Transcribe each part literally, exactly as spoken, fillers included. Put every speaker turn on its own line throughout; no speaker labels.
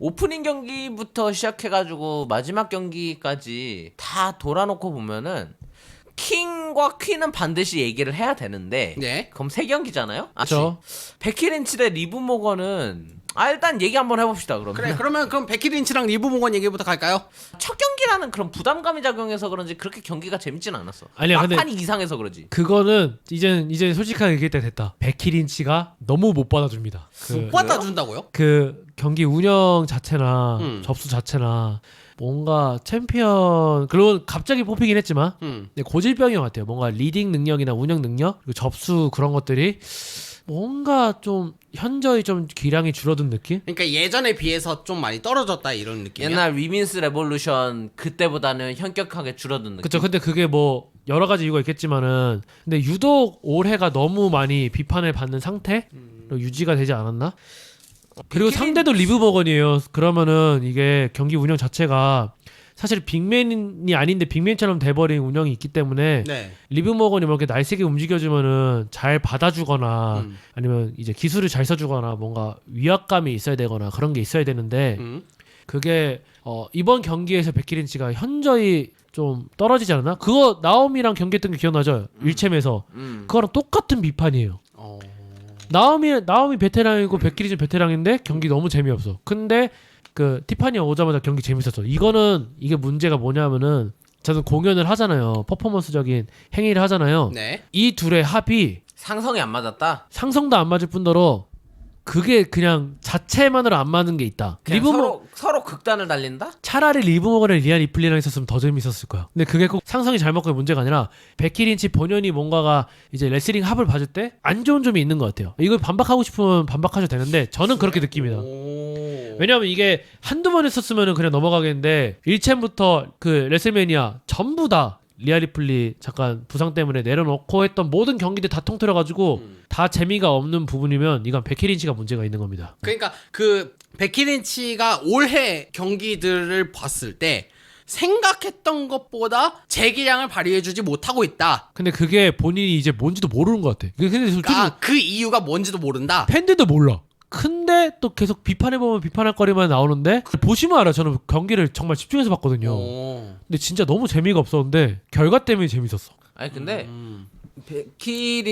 오프닝 경기부터 시작해가지고 마지막 경기까지 다 돌아놓고 보면은 킹과 퀸은 반드시 얘기를 해야 되는데
네.
그럼 세 경기잖아요?
그렇죠.
베키 린치 대 리브 모건은 아 일단 얘기 한번 해봅시다. 그러면
그래 그러면 그럼 베키 린치랑 리브 모건 얘기부터 갈까요?
첫 경기라는 그런 부담감이 작용해서 그런지 그렇게 경기가 재밌진 않았어.
아니야, 근데-
막판이 이상해서 그러지.
그거는 이제 이제 솔직하게 얘기할 때 됐다. 베키 린치가 너무 못 받아줍니다. 그,
못 받아준다고요?
그 경기 운영 자체나
음.
접수 자체나 뭔가 챔피언 그리고 갑자기 뽑히긴 했지만
음.
근데 고질병인 것 같아요. 뭔가 리딩 능력이나 운영 능력 그리고 접수 그런 것들이 뭔가 좀 현저히 좀 기량이 줄어든 느낌?
그러니까 예전에 비해서 좀 많이 떨어졌다 이런 느낌이야.
옛날 위민스 레볼루션 그때보다는 현격하게 줄어든 느낌.
그쵸. 근데 그게 뭐 여러 가지 이유가 있겠지만은 근데 유독 올해가 너무 많이 비판을 받는 상태 로 유지가 되지 않았나? 그리고
베키
상대도 리브 버건이에요. 그러면은 이게 경기 운영 자체가 사실 빅맨이 아닌데 빅맨처럼 돼버린 운영이 있기 때문에
네.
리브 머건이 뭐 이렇게 날쌔게 움직여주면은 잘 받아주거나
음.
아니면 이제 기술을 잘 써주거나 뭔가 위압감이 있어야 되거나 그런 게 있어야 되는데
음.
그게 어 이번 경기에서 베키 린치가 현저히 좀 떨어지지 않았나? 그거 나오미랑 경기했던 게 기억나죠? 일챔에서
음.
그거랑 똑같은 비판이에요.
어.
나오미 나오미 베테랑이고 베키 린치 베테랑인데 경기 너무 재미없어. 근데 그 티파니 오자마자 경기 재밌었어. 이거는 이게 문제가 뭐냐면은 저는 공연을 하잖아요. 퍼포먼스적인 행위를 하잖아요.
네.
이 둘의 합이
상성이 안 맞았다.
상성도 안 맞을 뿐더러 그게 그냥 자체만으로 안 맞는 게 있다.
그냥
리브 모
서로 서로 극단을 달린다.
차라리 리브 모건을 리안 리플리랑 있었으면 더 재밌었을 거야. 근데 그게 꼭 상성이 잘 맞고의 문제가 아니라 베키 린치 본연이 뭔가가 이제 레슬링 합을 봐줄 때 안 좋은 점이 있는 것 같아요. 이걸 반박하고 싶으면 반박하셔도 되는데 저는 그렇게 느낍니다.
오.
왜냐하면 이게 한두 번 했었으면 그냥 넘어가겠는데 일 챔부터 그 레슬매니아 전부 다 리아 리플리 잠깐 부상 때문에 내려놓고 했던 모든 경기들 다 통틀어가지고
음.
다 재미가 없는 부분이면 이건 베키 린치가 문제가 있는 겁니다.
그러니까 그 베키 린치가 올해 경기들을 봤을 때 생각했던 것보다 제 기량을 발휘해주지 못하고 있다.
근데 그게 본인이 이제 뭔지도 모르는 것 같아. 근데 솔직히
아, 그 이유가 뭔지도 모른다.
팬들도 몰라. 근데 또 계속 비판해보면 비판할 거리만 나오는데 보시면 알아. 저는 경기를 정말 집중해서 봤거든요.
오.
근데 진짜 너무 재미가 없었는데 결과 때문에 재밌었어.
아니 근데
음.
베키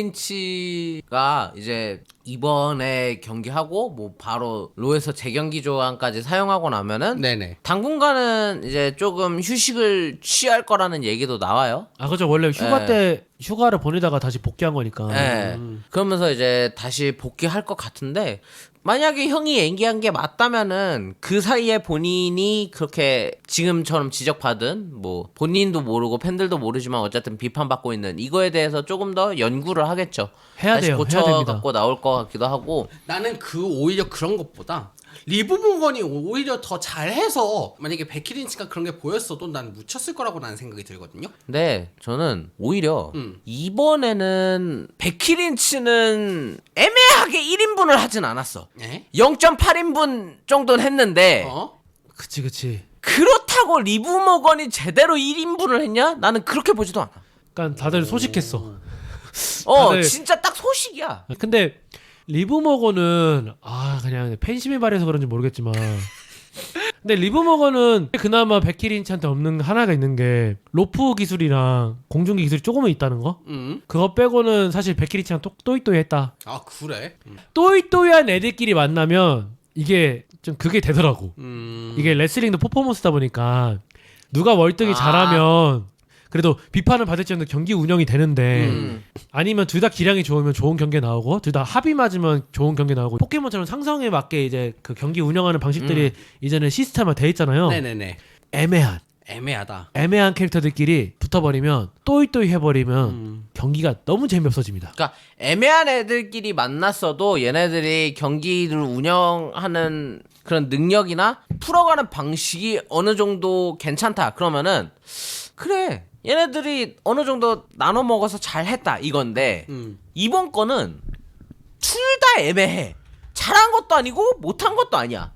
린치가 이제 이번에 경기하고 뭐 바로 로에서 재경기 조항까지 사용하고 나면은
네네.
당분간은 이제 조금 휴식을 취할 거라는 얘기도 나와요.
아 그죠. 원래 휴가
네.
때 휴가를 보내다가 다시 복귀한 거니까.
예. 그러면서 이제 다시 복귀할 것 같은데 만약에 형이 얘기한 게 맞다면은 그 사이에 본인이 그렇게 지금처럼 지적받은 뭐 본인도 모르고 팬들도 모르지만 어쨌든 비판받고 있는 이거에 대해서 조금 더 연구를 하겠죠.
해야
다시
돼요.
고쳐
해야 됩니다.
갖고 나올 것 같기도 하고.
나는 그 오히려 그런 것보다 리브 모건이 오히려 더 잘해서 만약에 베키 린치가 그런 게 보였어도 난 묻혔을 거라고 나는 생각이 들거든요.
근데 저는 오히려
음.
이번에는 베키 린치는 애매하게 일 인분을 하진 않았어.
네?
영 점 팔 인분 정도는 했는데
어?
그치 그치.
그렇다고 리브 모건이 제대로 일 인분을 했냐? 나는 그렇게 보지도 않아.
그러니까 다들 소식했어.
어,
다들-
진짜 딱 소식이야.
근데 리브 머건은 아 그냥 팬심이 발해서 그런지 모르겠지만 근데 리브 머건은 그나마 베키 린치한테 없는 하나가 있는 게 로프 기술이랑 공중기 기술이 조금은 있다는 거?
음.
그거 빼고는 사실 베키 린치랑 또, 또이또이했다.
아 그래? 음.
또이또이한 애들끼리 만나면 이게 좀 그게 되더라고.
음.
이게 레슬링도 퍼포먼스다 보니까 누가 월등히
아.
잘하면 그래도 비판을 받을지언정 경기 운영이 되는데
음.
아니면 둘 다 기량이 좋으면 좋은 경기 나오고 둘 다 합이 맞으면 좋은 경기 나오고 포켓몬처럼 상성에 맞게 이제 그 경기 운영하는 방식들이 이제는 시스템화 돼 있잖아요.
네네네.
애매한
애매하다.
애매한 캐릭터들끼리 붙어버리면 또이또이 해버리면
음.
경기가 너무 재미없어집니다.
그러니까 애매한 애들끼리 만났어도 얘네들이 경기를 운영하는 그런 능력이나 풀어가는 방식이 어느 정도 괜찮다. 그러면은 그래. 얘네들이 어느 정도 나눠 먹어서 잘했다 이건데
음.
이번 거는 둘 다 애매해. 잘한 것도 아니고 못한 것도 아니야.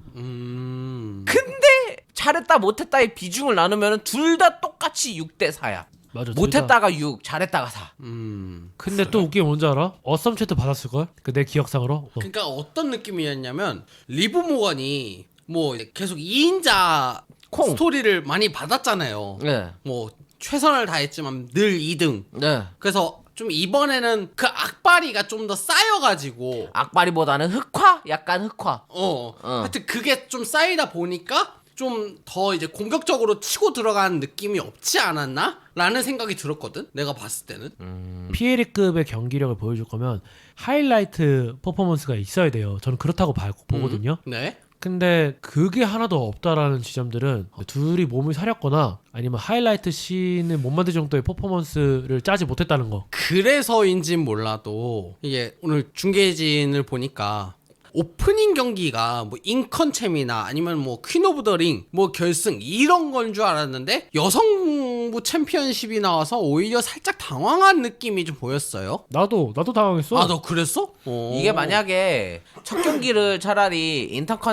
음.
근데 잘했다 못했다의 비중을 나누면 둘 다 똑같이 육 대 사야.
맞아. 둘 다.
못했다가 육, 잘했다가 사.
음.
근데 또 웃긴 게 뭔지 알아? 어썸 채트 받았을걸? 그 내 기억상으로. 어.
그러니까 어떤 느낌이었냐면 리브 모건이 뭐 이제 계속 이 인자
콩.
스토리를 많이 받았잖아요.
네.
뭐 최선을 다했지만 늘 이 등.
네.
그래서 좀 이번에는 그 악바리가 좀 더 쌓여가지고
악바리보다는 흑화? 약간 흑화.
어,
어.
하여튼 그게 좀 쌓이다 보니까 좀 더 이제 공격적으로 치고 들어가는 느낌이 없지 않았나? 라는 생각이 들었거든. 내가 봤을 때는.
음.
피에리급의 경기력을 보여줄 거면 하이라이트 퍼포먼스가 있어야 돼요. 저는 그렇다고 봐, 보거든요.
네.
근데 그게 하나도 없다라는 지점들은 둘이 몸을 사렸거나 아니면 하이라이트 씬을 못 만들 정도의 퍼포먼스를 짜지 못했다는 거.
그래서인진 몰라도 이게 오늘 중계진을 보니까 오프닝 경기가 뭐 인컨챔이나 아니면 뭐 퀸 오브 더 링 뭐 결승 이런 건 줄 알았는데 여성부 챔피언십이 나와서 오히려 살짝 당황한 느낌이 좀 보였어요.
나도 나도 당황했어.
아, 너 그랬어? 어.
이게 만약에 첫 경기를 차라리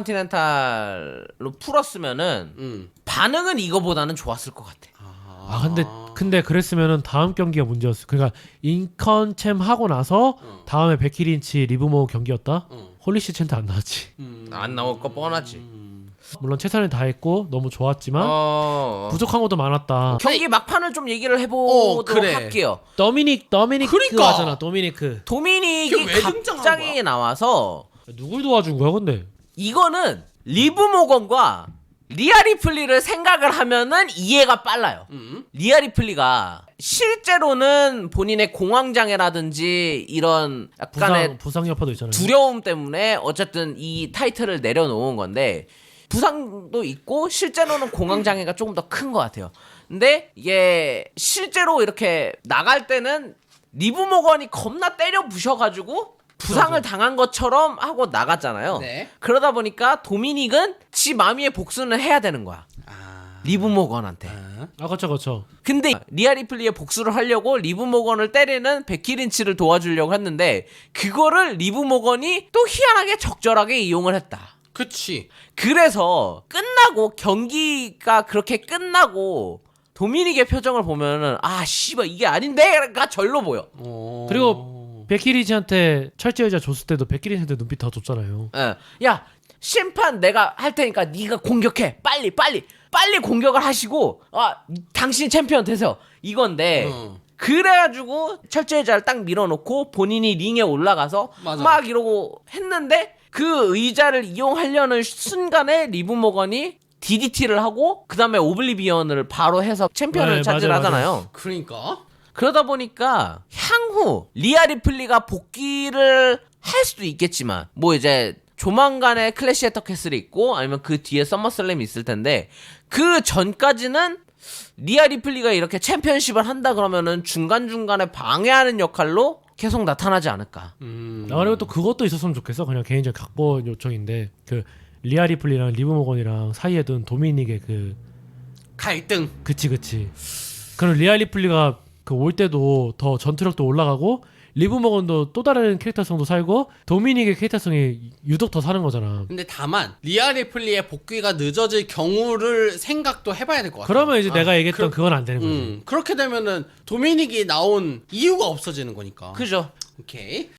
인터컨티넨탈로 풀었으면은
음.
반응은 이거보다는 좋았을 것 같아.
아 근데 근데 그랬으면은 다음 경기가 문제였어. 그러니까 인컨챔 하고 나서
어.
다음에 베키린치 리브모 경기였다.
어.
홀리시 챈트 안 나왔지.
음.
안 나올 거 뻔하지.
물론 최선을 다했고 너무 좋았지만
어...
부족한 것도 많았다.
경기 막판을 좀 얘기를 해보도록
어, 그래.
할게요.
도미닉 도미닉
그러니까.
하잖아. 도미니크.
도미닉이
이게 왜 등장한
갑자기
거야?
나와서
누굴 도와준 거야 근데?
이거는 리브 모건과 리아 리플리를 생각을 하면은 이해가 빨라요.
음.
리아 리플리가 실제로는 본인의 공황장애라든지 이런 약간의
부상 부상 여파도 있잖아요.
두려움 때문에 어쨌든 이 타이틀을 내려놓은 건데 부상도 있고 실제로는 공황장애가 조금 더 큰 것 같아요. 근데 이게 실제로 이렇게 나갈 때는 리브 모건이 겁나 때려 부셔가지고 부상을 당한 것처럼 하고 나갔잖아요.
네.
그러다 보니까 도미닉은 지 마미의 복수는 해야 되는 거야.
아.
리브 모건한테.
아.
아 그쵸 그쵸.
근데 리아 리플리의 복수를 하려고 리브 모건을 때리는 베키 린치를 도와주려고 했는데 그거를 리브 모건이 또 희한하게 적절하게 이용을 했다.
그치.
그래서 끝나고 경기가 그렇게 끝나고 도미닉의 표정을 보면은 아 씨발 이게 아닌데가 절로 보여.
어.
그리고 베키린치한테 철제 의자 줬을 때도 베키린치한테 눈빛 다 줬잖아요.
예. 야 심판 내가 할 테니까 네가 공격해. 빨리 빨리 빨리 공격을 하시고 아 당신 챔피언 되세요. 이건데
어.
그래가지고 철제 의자를 딱 밀어놓고 본인이 링에 올라가서
맞아.
막 이러고 했는데 그 의자를 이용하려는 순간에 리브 모건이 디디티를 하고 그 다음에 오블리비언을 바로 해서 챔피언을
네,
차지하잖아요.
맞아요,
그러니까.
그러다 보니까 향후 리아 리플리가 복귀를 할 수도 있겠지만 뭐 이제 조만간에 클래시 애터 캐슬이 있고 아니면 그 뒤에 서머슬램이 있을 텐데 그 전까지는 리아 리플리가 이렇게 챔피언십을 한다 그러면은 중간중간에 방해하는 역할로 계속 나타나지 않을까.
음.
아, 그리고 또 그것도 있었으면 좋겠어. 그냥 개인적 각본 요청인데 그 리아 리플리랑 리브 모건이랑 사이에 둔 도미닉의 그
갈등.
그치 그치. 그럼 리아 리플리가 그 올 때도 더 전투력도 올라가고 리브 모건도 또 다른 캐릭터성도 살고 도미닉의 캐릭터성이 유독 더 사는 거잖아.
근데 다만 리아 리플리의 복귀가 늦어질 경우를 생각도 해봐야 될 것 같아.
그러면 이제
아,
내가 얘기했던
그,
그, 건안 되는 거지.
음, 그렇게 되면은 도미닉이 나온 이유가 없어지는 거니까.
그죠?
오케이.